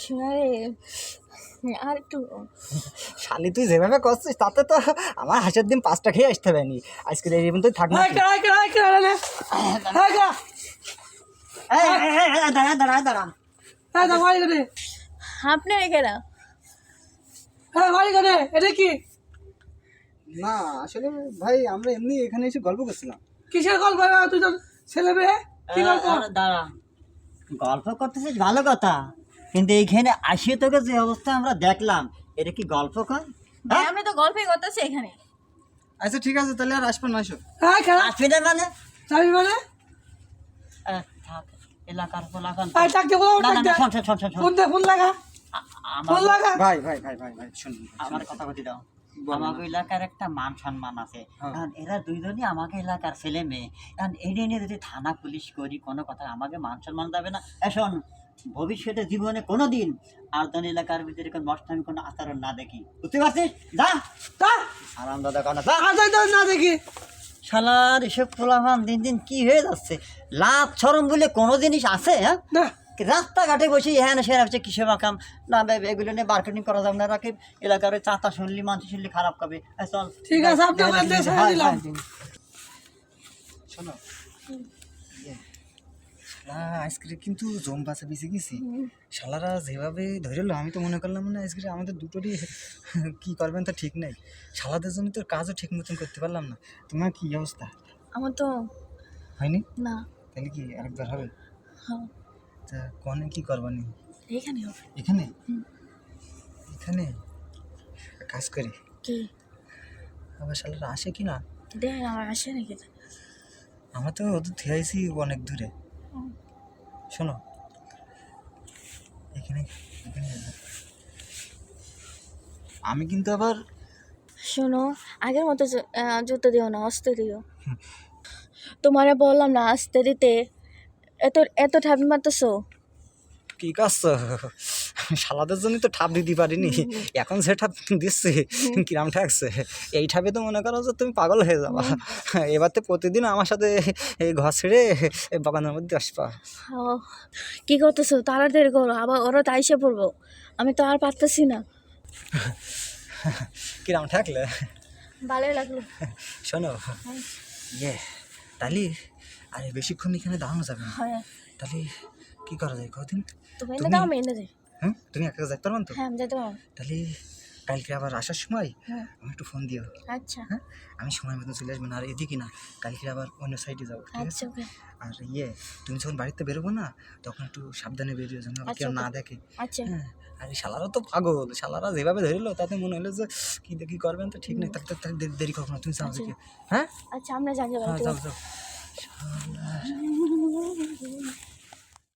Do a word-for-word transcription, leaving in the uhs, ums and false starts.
আরে আর একটু শালি তুই যেভাবে করছিস তাতে তো আমার হাঁসের ডিম পাঁচটা খেয়ে আসতে হবে নি আজকে এই পর্যন্ত থাক না এই কেডা কেডা কেডা রে এই কেডা এই, এই, এই, এই, দাঁড়া দাঁড়া দাঁড়া এই দা মারি করে আপনি রেখে না এই মারি করে এটা কি না আসলে ভাই আমরা এমনি এখানে এসে গল্প করছিলাম। কিসের গল্প তুই তো ছেলে মেয়ে কি গল্প দাঁড়া, গল্প করতেছিস ভালো কথা, কিন্তু এইখানে আসিয়ে তোকে যে অবস্থা আমরা দেখলাম, এটা কি গল্প কর? ভাই আমি তো গল্পই করতেছি এখানে। আচ্ছা ঠিক আছে তাহলে আর আসবেন না এসো। হ্যাঁ কেডা আসবি না মানে? যাবি মানে আহ, থাক, এলাকার পোলাপান। এই ডাক দে বলো না, ডাক না, দে না, শোন, শোন, শোন, শোন, শোন। ফোন দে ফোন লাগা আ- ফোন আমার লাগা ভাই ভাই ভাই ভাই ভাই শুনুন আমার কথা কথি দাও। বলো না। আমাকে এলাকার একটা মান সম্মান আছে, হ্যাঁ। কারণ এরা দুইজনই আমাকে এলাকার ছেলে মেয়ে, কারণ এই নিয়ে যদি থানা পুলিশ করি কোনো কথা আমাকে মান সম্মান যাবে না। এখন ভবিষ্যতে জীবনে কোনো দিন আর ধন এলাকার ভিতরে কোনো নষ্টামি কোনো আচরণ না দেখি, বুঝতে পারছিস? যা তা আরাম দাদা কানা যা। আজ না দেখি শালার এসব পোলাপান দিন দিন কি হয়ে যাচ্ছে, লাভ সরম বলে কোনো জিনিস আছে? হ্যাঁ, না রাস্তাঘাটে বসে হ্যাঁ না সেরা হচ্ছে কিসে বাকাম না, বে- এগুলো নিয়ে মার্কেটিং করা যাবে না। রাখি এলাকার ওই চাতা শুনলি মানুষ শুনলি খারাপ খাবে। এই চল, ঠিক আছে, আপনি আমার দেশ ছেড়ে হয়, দিলাম। হয়। শোনো ইয়ে, শালা আজকে কিন্তু জম বাসে বেঁচে গেছি। শালারা যেভাবে ধরেলো আমি তো মনে করলাম না আজকে আমাদের দুটোরই কি করবেন তা ঠিক নাই। শালাদের জন্য তো কাজও ঠিক মতন করতে পারলাম না। তোমার কি অবস্থা? আমার তো হয়নি? না। তাহলে কি আরেকবার হবে? হ্যাঁ তা কনে কি করবানি? এখানে হবে। এখানে হুম। এখানে কাজ করি কি আবার শালারা আসে কি না? দেখেন আমার আসে নাকি? আমরা তো ওদের থেকে আইছি অনেক দূরে। হুম। শোনো এখানে এখানে আমি কিন্তু আবার শোনো আগের মতো জ- আহ, জুতো দিও না, আস্তে দিও। তোমারে বললাম না আস্তে দিতে, এত এত ঠাপি মারতেছো। কি করছো? শালাদের জন্য তো ঠাপ দিতে পারিনি, এখন যে ঠাপ দিচ্ছে কিরাম ঠাকছে। এই ঠাপে তো মনে করো যে তুমি পাগল হয়ে যাবা। এবার তো প্রতিদিন আমার সাথে এই ঘর ছেড়ে এই বাগানের মধ্যে আসবা। ও, কি করতেছো? তাড়াতাড়ি করো, আবার ওরা তো আইসে পড়বো। আমি তো আর পারতেছি না। কিরাম ঠাকলে? ভালোই লাগলো। শোনো ইয়ে তাহলে আরে বেশিক্ষণ এখানে দাঁড়ানো যাবে না। হ্যাঁ তাহলে কি করা যায় কদিন? তুমি এনে তুমি- দাও, আমি এনে দিই। হ্যাঁ তুমি একা যেতে পারবেন তো? হ্যাঁ আমি যেতে পারবো। তাহলে কালকে আবার আসার সময় হ্যাঁ আমি একটু ফোন দিও। আচ্ছা হ্যাঁ আমি সময় মতো চলে আসবো না, আর এদিকে না কালকে আবার অন্য সাইডে যাবো, ঠিক আছে? আচ্ছা ওকে আর ইয়ে তুমি যখন বাড়িতে বেরোবো না তখন একটু সাবধানে বেরিয়ে যেন আবার কেউ আচ্ছা, না ওকে। দেখে। আচ্ছা হ্যাঁ আর এই শালারা তো পাগল, শালারা যেভাবে ধরিল তাতে মনে হলো যে কি দেখি করবেন তো ঠিক নেই। তাকে তাকে দেরি- দেরি কখনো তুমি চাও আচ্ছা। দেখি। হ্যাঁ আচ্ছা আমরা জানি হ্যাঁ বাড়িতে। যাও যাও।